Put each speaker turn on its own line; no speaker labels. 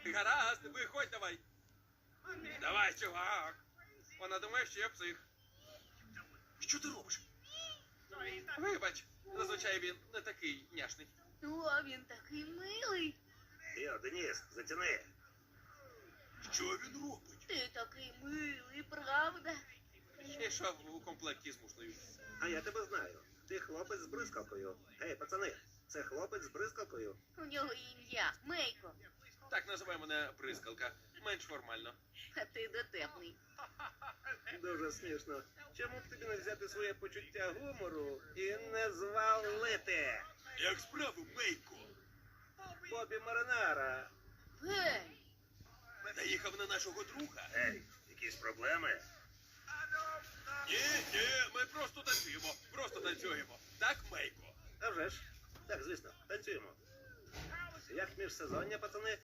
Гаразд, виходь давай. Давай, чувак. Вона думає, що я псих. Що ти робиш? Вибач, зазвичай він не такий няшний.
О, він такий милий.
Йо, Деніс, затяни.
Що він робить?
Ти такий милий, правда?
Ішов у комплекті з мушлею.
А я тебе знаю. Ти хлопець з бризкалкою. Гей, пацани, це хлопець з бризкалкою.
У нього ім'я Мейко,
Так називай мене бризкалка. Менш формально.
а ти дотепний.
Дуже смішно. Чому б тобі не взяти своє почуття гумору і не звалити?
Як справи, Мейко?
Бобі Маринара.
Гей,
Наїхав на нашого друга?
Ей, якісь проблеми?
Ні, ми просто танцюємо. Просто танцюємо. Так, Мейко?
А вже ж. Так, звісно, танцюємо. Як міжсезоння, пацани?